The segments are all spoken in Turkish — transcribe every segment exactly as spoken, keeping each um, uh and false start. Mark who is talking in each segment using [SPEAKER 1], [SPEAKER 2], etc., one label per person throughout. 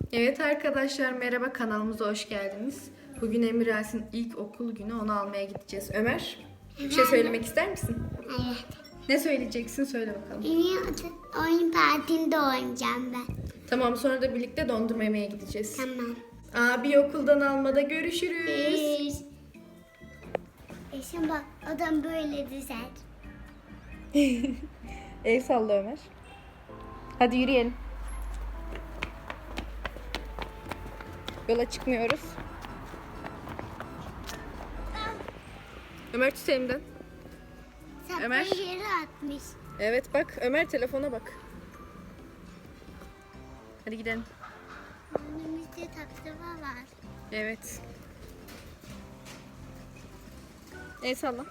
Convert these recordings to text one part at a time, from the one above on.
[SPEAKER 1] Evet arkadaşlar, merhaba, kanalımıza hoş geldiniz. Bugün Emiras'ın ilk okul günü, onu almaya gideceğiz. Ömer, bir şey söylemek ister misin?
[SPEAKER 2] Evet.
[SPEAKER 1] Ne söyleyeceksin, söyle bakalım.
[SPEAKER 2] Benim oyun partinde oynayacağım ben.
[SPEAKER 1] Tamam, sonra da birlikte dondurma yemeye gideceğiz.
[SPEAKER 2] Tamam.
[SPEAKER 1] Abi okuldan almada görüşürüz.
[SPEAKER 2] E şimdi bak adam böyle dizer.
[SPEAKER 1] El salla Ömer. Hadi yürüyelim. Yola çıkmıyoruz. Ömer tut elimden. Ömer.
[SPEAKER 2] Saplayı yere atmış.
[SPEAKER 1] Evet bak, Ömer telefona bak. Hadi gidelim.
[SPEAKER 2] Önümüzde taklava var.
[SPEAKER 1] Evet. El salla.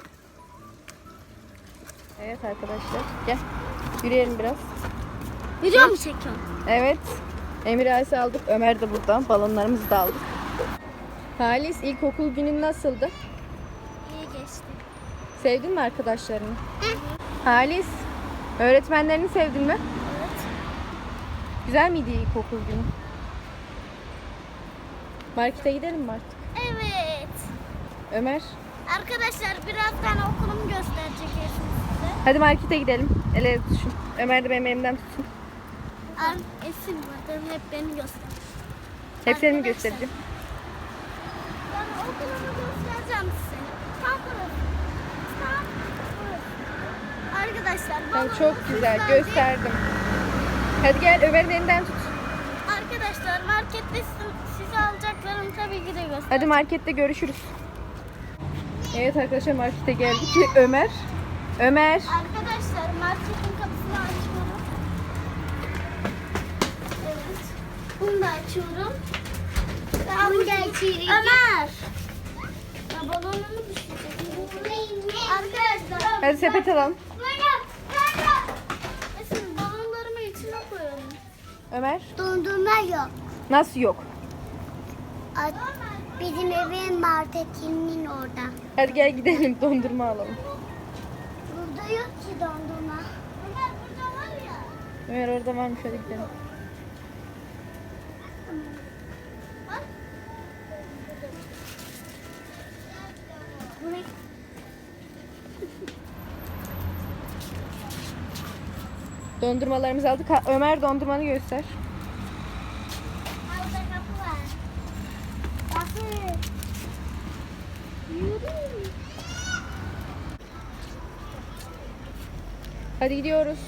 [SPEAKER 1] Evet arkadaşlar, gel. Yürüyelim biraz.
[SPEAKER 2] Video mu çekiyorsun?
[SPEAKER 1] Evet. Emir Ayse aldık. Ömer de burada. Balonlarımızı da aldık. Halis, ilkokul günün nasıldı?
[SPEAKER 2] İyi geçti.
[SPEAKER 1] Sevdin mi arkadaşlarını? Halis, öğretmenlerini sevdin mi?
[SPEAKER 2] Evet.
[SPEAKER 1] Güzel miydi ilkokul günü? Markete gidelim mi artık?
[SPEAKER 2] Evet.
[SPEAKER 1] Ömer,
[SPEAKER 2] Arkadaşlar birazdan okulumu gösterecek Esin size.
[SPEAKER 1] hadi markete gidelim. El ele tutuşun. Ömer de benim elimden tutsun.
[SPEAKER 2] Ar- Esin vardı hep beni göster.
[SPEAKER 1] Hep seni mi
[SPEAKER 2] Arkadaşlar.
[SPEAKER 1] göstereceğim?
[SPEAKER 2] Ben okulumu göstereceğim size. Tam burası. Tam burası. Arkadaşlar
[SPEAKER 1] Tamam,
[SPEAKER 2] balonu
[SPEAKER 1] çok güzel.
[SPEAKER 2] süslendik.
[SPEAKER 1] Gösterdim. Hadi gel, Ömer'in elinden tut.
[SPEAKER 2] Arkadaşlar markette sizi- sizi alacaklarım tabii ki de göster.
[SPEAKER 1] Hadi markette görüşürüz. Evet arkadaşlar, markete geldik. Ömer. Ömer.
[SPEAKER 2] Arkadaşlar marketin kapısını açıyorum. Evet. Bunu da açıyorum. Bunu da açıyorum. Ömer. Ya balonumu düşürdüm. Arkadaşlar.
[SPEAKER 1] Hadi sepet alalım.
[SPEAKER 2] Esin balonlarımı içine koyalım.
[SPEAKER 1] Ömer.
[SPEAKER 2] Dondurma yok.
[SPEAKER 1] Nasıl yok?
[SPEAKER 2] Bizim evin marketinin orada.
[SPEAKER 1] Hadi gel gidelim, dondurma alalım.
[SPEAKER 2] Burada yok ki dondurma. Ömer burada var ya.
[SPEAKER 1] Ömer orada varmış, hadi gidelim.
[SPEAKER 2] Bak. Buraya.
[SPEAKER 1] Dondurmalarımızı aldık. Ha, Ömer, dondurmanı göster.
[SPEAKER 2] Orada kapı var. Bakın. Yürü.
[SPEAKER 1] Hadi gidiyoruz.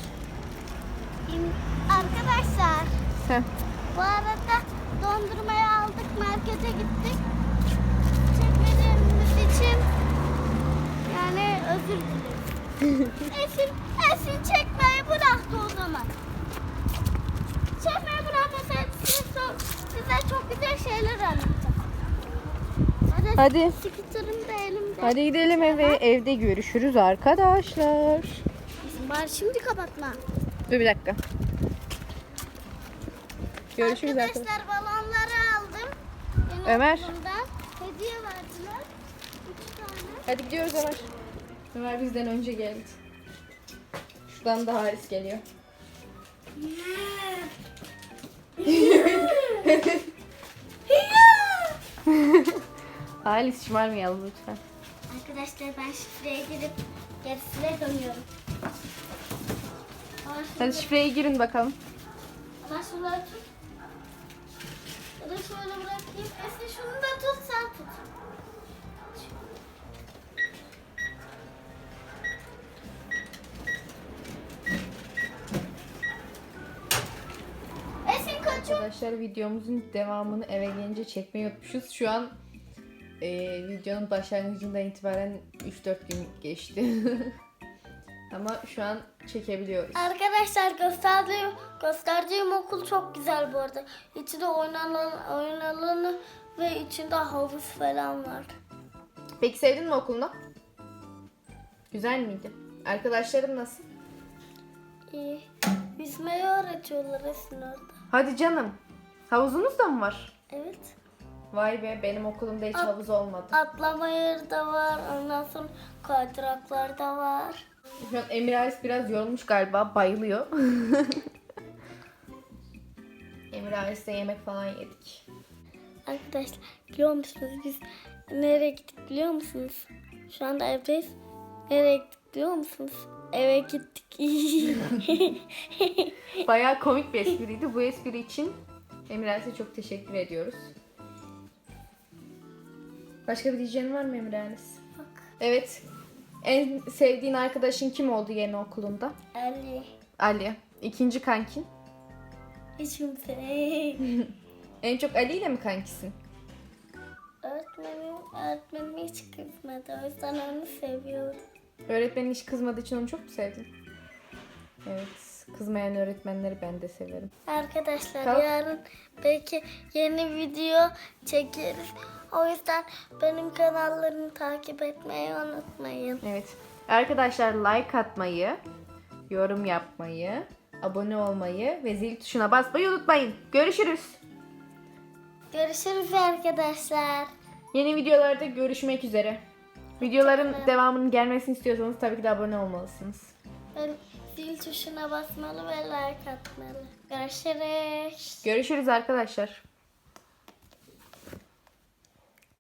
[SPEAKER 2] Arkadaşlar
[SPEAKER 1] Heh.
[SPEAKER 2] bu arada dondurmayı aldık, markete gittik. Çekmediğimiz için yani özür dileriz. Esin, Esin çekmeyi bıraktı o zaman. Çekmeyi bırakmasaydı size, so- size çok güzel şeyler anlatacağım. Hadi.
[SPEAKER 1] Hadi.
[SPEAKER 2] Skuterim de elimde.
[SPEAKER 1] Hadi gidelim eve. Evde görüşürüz arkadaşlar.
[SPEAKER 2] Esin, bari şimdi kapatma.
[SPEAKER 1] Dur bir dakika. Görüşürüz arkadaşlar.
[SPEAKER 2] Arkadaşlar balonları aldım. Benim
[SPEAKER 1] Ömer.
[SPEAKER 2] okulumdan. Hediye verdiler. Üç tane.
[SPEAKER 1] Hadi gidiyoruz Ömer. Ömer bizden önce geldi. Şuradan da Haris geliyor. Halis, şımarmayalım lütfen.
[SPEAKER 2] Arkadaşlar ben şifreye girip gerisine dönüyorum. Ama
[SPEAKER 1] Hadi
[SPEAKER 2] şunu-
[SPEAKER 1] şifreye girin bakalım.
[SPEAKER 2] ama şunları tut. Ya da şöyle bırakayım. Esin şunu da tut, sen tut. Esin kaçıyor.
[SPEAKER 1] Arkadaşlar, videomuzun devamını eve gelince çekmeyi unutmuşuz. Şu an e, videonun başlangıcından itibaren üç dört gün geçti. Ama şu an çekebiliyoruz.
[SPEAKER 2] Arkadaşlar gösterdiğim, gösterdiğim okul çok güzel bu arada. İçinde oyun alanı, oyun alanı ve içinde havuz falan var.
[SPEAKER 1] Peki sevdin mi okulunu? Güzel miydi? Arkadaşlarım nasıl?
[SPEAKER 2] İyi. Yüzmeyi öğretiyorlar Esin orada.
[SPEAKER 1] Hadi canım. Havuzunuz da mı var?
[SPEAKER 2] Evet.
[SPEAKER 1] Vay be, benim okulumda hiç
[SPEAKER 2] At-
[SPEAKER 1] havuz olmadı.
[SPEAKER 2] Atlama yeri de var. Ondan sonra kaydıraklar da var.
[SPEAKER 1] Şu an Emir Ays biraz yorulmuş galiba, bayılıyor. Emir Emir ailesiyle yemek falan yedik.
[SPEAKER 2] Arkadaşlar biliyor musunuz biz nereye gittik biliyor musunuz? Şu anda evdeyiz. Nereye gittik biliyor musunuz? Eve gittik.
[SPEAKER 1] Bayağı komik bir espriydi. Bu espri için Emir ailesine çok teşekkür ediyoruz. Başka bir diyeceğin var mı Emir ailesi?
[SPEAKER 2] Bak.
[SPEAKER 1] Evet. En sevdiğin arkadaşın kim oldu yeni okulunda?
[SPEAKER 2] Ali.
[SPEAKER 1] Ali. İkinci kankin?
[SPEAKER 2] Hiç kimse.
[SPEAKER 1] En çok Ali ile mi kankisin?
[SPEAKER 2] Öğretmenim, öğretmenim hiç kızmadı. O yüzden onu seviyorum.
[SPEAKER 1] Öğretmenin hiç kızmadığı için onu çok mu sevdin? Evet. Kızmayan öğretmenleri ben de severim.
[SPEAKER 2] Arkadaşlar
[SPEAKER 1] Kalk.
[SPEAKER 2] yarın belki yeni video çekeriz. O yüzden benim kanallarımı takip etmeyi unutmayın.
[SPEAKER 1] Evet. Arkadaşlar like atmayı, yorum yapmayı, abone olmayı ve zil tuşuna basmayı unutmayın. Görüşürüz.
[SPEAKER 2] Görüşürüz arkadaşlar.
[SPEAKER 1] Yeni videolarda görüşmek üzere. Videoların devamının gelmesini istiyorsanız tabii ki de abone olmalısınız.
[SPEAKER 2] Ben zil tuşuna basmalı ve like atmalı. Görüşürüz.
[SPEAKER 1] Görüşürüz arkadaşlar.